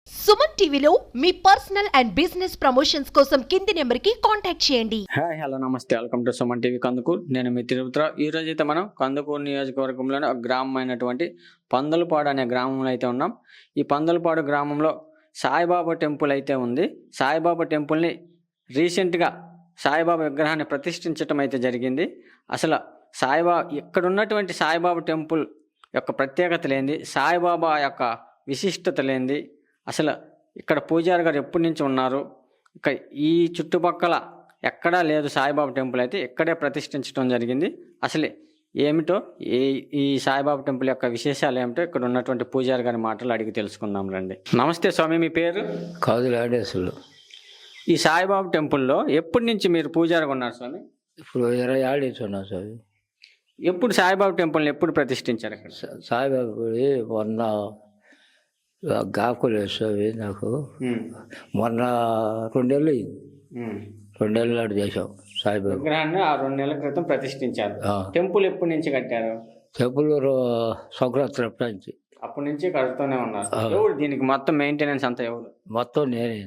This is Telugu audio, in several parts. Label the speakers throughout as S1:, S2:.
S1: సుమన్ టీవీలో మీ పర్సనల్ అండ్ బిజినెస్ ప్రమోషన్స్ కోసం కింది నెంబర్కి కాంటాక్ట్ చేయండి.
S2: హాయ్ హలో నమస్తే, welcome to Suman TV Kandukur. నేను మీ తిరుపతిరావు. ఈ రోజు అయితే మనం కందుకూరు నియోజకవర్గంలోని ఒక గ్రామం అయినటువంటి పందలపాడు అనే గ్రామంలో అయితే ఉన్నాం. ఈ పందలపాడు గ్రామంలో సాయిబాబా టెంపుల్ అయితే ఉంది. సాయిబాబా టెంపుల్ని రీసెంట్గా సాయిబాబా విగ్రహాన్ని ప్రతిష్ఠించడం అయితే జరిగింది. అసలు ఇక్కడ ఉన్నటువంటి సాయిబాబా టెంపుల్ యొక్క ప్రత్యేకత లేనిది, సాయిబాబా యొక్క విశిష్టత లేనిది, అసలు ఇక్కడ పూజారి గారు ఎప్పటి నుంచి ఉన్నారు, ఇక్కడ ఈ చుట్టుపక్కల ఎక్కడా లేదు సాయిబాబా టెంపుల్, అయితే ఇక్కడే ప్రతిష్ఠించడం జరిగింది. అసలు ఏమిటో ఈ సాయిబాబా టెంపుల్ యొక్క విశేషాలు ఏమిటో ఇక్కడ ఉన్నటువంటి పూజారి గారి మాటలు అడిగి తెలుసుకుందాం రండి. నమస్తే స్వామి, మీ పేరు?
S3: కాదులాడేసులు.
S2: ఈ సాయిబాబా టెంపుల్లో ఎప్పటి నుంచి మీరు పూజారిగా ఉన్నారు స్వామి?
S3: ఇప్పుడు 20 ఏళ్ళు ఇచ్చున్నాం స్వామి.
S2: ఎప్పుడు సాయిబాబా టెంపుల్ని ఎప్పుడు ప్రతిష్ఠించారు అక్కడ?
S3: సాయిబాబా గుడి మొన్న గాకులు స్వామి నాకు మొన్న 2 ఏళ్ళు అయింది. 2 ఏళ్ళ నాడు చేసాం సాయిబాబా
S2: విగ్రహాన్ని. ఆ 2 నెలల క్రితం ప్రతిష్ఠించారు. టెంపుల్ ఎప్పటి నుంచి కట్టారు?
S3: టెంపుల్ సంక్రాంతి నుంచి.
S2: అప్పటి నుంచి కడుతూనే ఉన్నారు. ఎవరు దీనికి మొత్తం మెయింటెనెన్స్ అంతా ఎవరు?
S3: మొత్తం నేనే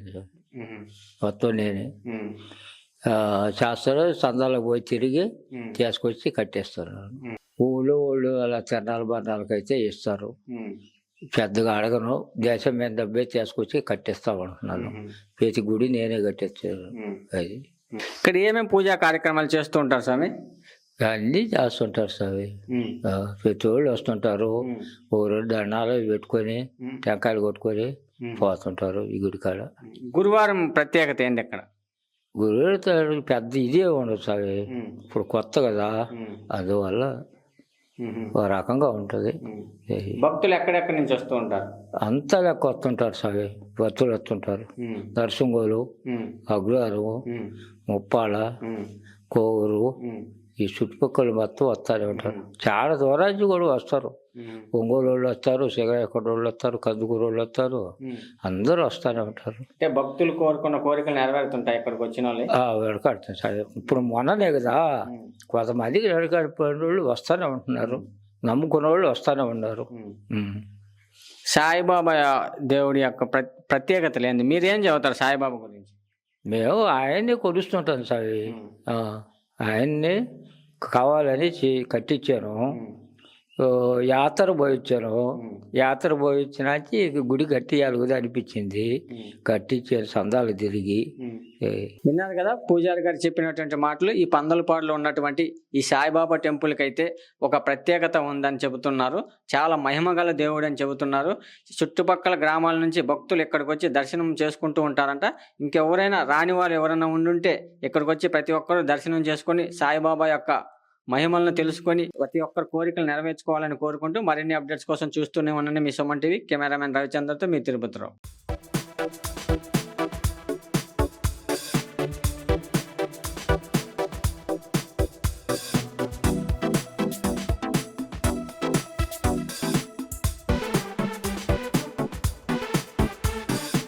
S3: చేస్తారు. చందాలకు పోయి తిరిగి తీసుకొచ్చి కట్టేస్తారు. ఊళ్ళు అలా తిరణాలు బరణాలకైతే ఇస్తారు. పెద్దగా అడగను, దేశం మీద డబ్బే తీసుకొచ్చి కట్టిస్తామంటున్నాను. ప్రతి గుడి నేనే కట్టిస్తాను. అది
S2: ఇక్కడ ఏమేమి పూజా కార్యక్రమాలు చేస్తూ ఉంటారు స్వామి?
S3: అన్నీ చేస్తుంటారు స్వామి. ప్రతి వాళ్ళు వస్తుంటారు. ఊరు దండాలు పెట్టుకొని టెంకాయలు కొట్టుకొని పోతుంటారు ఈ గుడి కాడ.
S2: గురువారం ప్రత్యేకత ఏంటి అక్కడ?
S3: గురువు పెద్ద ఇదే ఉండదు స్వామి. ఇప్పుడు కొత్త కదా, అందువల్ల ఒక రకంగా ఉంటుంది.
S2: భక్తులు ఎక్కడెక్కడి నుంచి వస్తూ ఉంటారు?
S3: అంతా లెక్క వస్తుంటారు స్వామి. భక్తులు వస్తుంటారు. దర్శంగోలు, అగ్రహారం, ముప్పాళ్ళ, కోవూరు, ఈ చుట్టుపక్కల మొత్తం వస్తూనే ఉంటారు. చాలా దూరానికి కూడా వస్తారు. ఒంగోలు వాళ్ళు వస్తారు, శ్రీకాకుళం వాళ్ళు వస్తారు, కందుకూరు వాళ్ళు వస్తారు. అందరూ వస్తూనే ఉంటారు.
S2: అంటే భక్తులు కోరుకున్న కోరికలు నెరవేరుతుంటాయి ఇక్కడికి వచ్చిన వాళ్ళు?
S3: వెడకాడుతుంది సార్. ఇప్పుడు మొన్ననే కదా కొంతమందికి వెడకాడిపోయిన వాళ్ళు వస్తూనే ఉంటున్నారు. నమ్ముకున్న వాళ్ళు వస్తూనే ఉన్నారు.
S2: సాయిబాబా దేవుడి యొక్క ప్రత్యేకత లేని మీరేం చెబుతారు సాయిబాబా గురించి?
S3: మేము ఆయన్ని కొలుస్తుంటాం సార్. ఆయన్ని కావాలని కట్టించాను. యాత్ర పోయించాను. యాత్ర పోయించినాచి గుడి కట్టియాలి కదా అనిపించింది. కట్టించాను సందాలు తిరిగి.
S2: విన్నారు కదా పూజారి గారు చెప్పినటువంటి మాటలు. ఈ పందలపాడులో ఉన్నటువంటి ఈ సాయిబాబా టెంపుల్కి అయితే ఒక ప్రత్యేకత ఉందని చెబుతున్నారు. చాలా మహిమగల దేవుడు అని చెబుతున్నారు. చుట్టుపక్కల గ్రామాల నుంచి భక్తులు ఇక్కడికి వచ్చి దర్శనం చేసుకుంటూ ఉంటారంట. ఇంకెవరైనా రాని వారు ఎవరైనా ఉండుంటే ఇక్కడికి వచ్చి ప్రతి ఒక్కరూ దర్శనం చేసుకొని సాయిబాబా యొక్క మహిమలను తెలుసుకొని ప్రతి ఒక్కరి కోరికలు నెరవేర్చుకోవాలని కోరుకుంటూ మరిన్ని అప్డేట్స్ కోసం చూస్తూనే ఉండండి మీ సుమన్ టీవీ. కెమెరామెన్ రవిచంద్రతో మీ తిరుపతిరావు.